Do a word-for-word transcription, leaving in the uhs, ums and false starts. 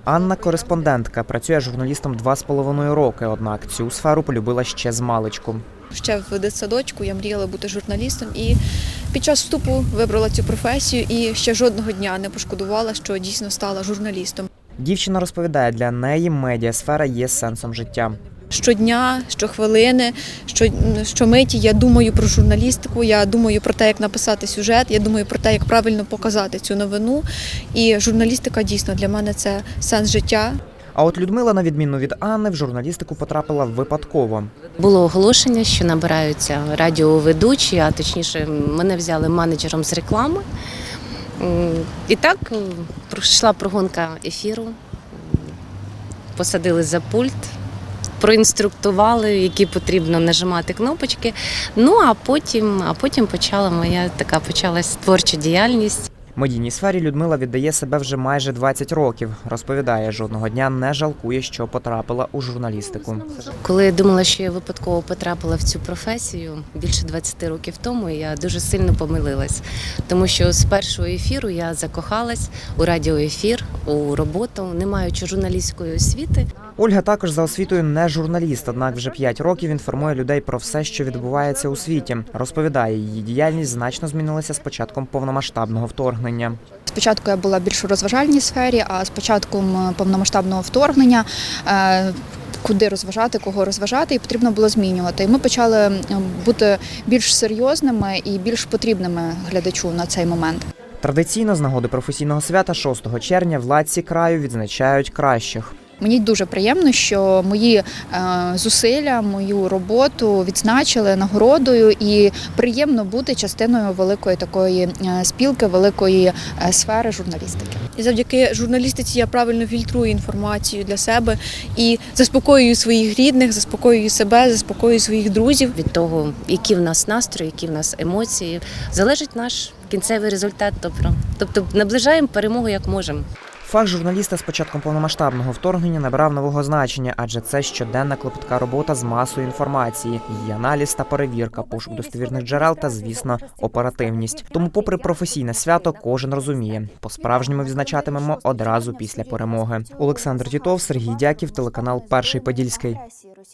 Анна – кореспондентка, працює журналістом два з половиною роки, однак цю сферу полюбила ще з маличку. Ще в дитсадочку я мріяла бути журналістом і під час вступу вибрала цю професію і ще жодного дня не пошкодувала, що дійсно стала журналістом. Дівчина розповідає, для неї медіасфера є сенсом життя. Щодня, щохвилини, що, щомиті я думаю про журналістику, я думаю про те, як написати сюжет, я думаю про те, як правильно показати цю новину. І журналістика дійсно для мене це сенс життя. А от Людмила, на відміну від Анни, в журналістику потрапила випадково. Було оголошення, що набираються радіоведучі, а точніше мене взяли менеджером з реклами. І так пройшла прогонка ефіру, посадили за пульт, проінструктували, які потрібно нажимати кнопочки. Ну а потім, а потім почала моя така почалась творча діяльність. Медійній сфері Людмила віддає себе вже майже двадцять років. Розповідає, жодного дня не жалкує, що потрапила у журналістику. Коли я думала, що я випадково потрапила в цю професію більше двадцяти років тому, я дуже сильно помилилась. Тому що з першого ефіру я закохалась у радіоефір, у роботу, не маючи журналістської освіти. Ольга також за освітою не журналіст, однак вже п'ять років інформує людей про все, що відбувається у світі. Розповідає, її діяльність значно змінилася з початком повномасштабного вторгнення. Спочатку я була більш у розважальній сфері, а з початком повномасштабного вторгнення куди розважати, кого розважати, і потрібно було змінювати. І ми почали бути більш серйозними і більш потрібними глядачу на цей момент. Традиційно з нагоди професійного свята шостого червня владці краю відзначають кращих. Мені дуже приємно, що мої е, зусилля, мою роботу відзначили нагородою, і приємно бути частиною великої такої е, спілки, великої е, сфери журналістики. І завдяки журналістиці я правильно фільтрую інформацію для себе і заспокоюю своїх рідних, заспокоюю себе, заспокоюю своїх друзів. Від того, які в нас настрої, які в нас емоції, залежить наш кінцевий результат. Тобто наближаємо перемогу як можемо. Фах журналіста з початком повномасштабного вторгнення набрав нового значення, адже це щоденна клопітка робота з масою інформації, її аналіз та перевірка, пошук достовірних джерел та, звісно, оперативність. Тому, попри професійне свято, кожен розуміє – по-справжньому відзначатимемо одразу після перемоги. Олександр Тітов, Сергій Дяків, телеканал «Перший Подільський».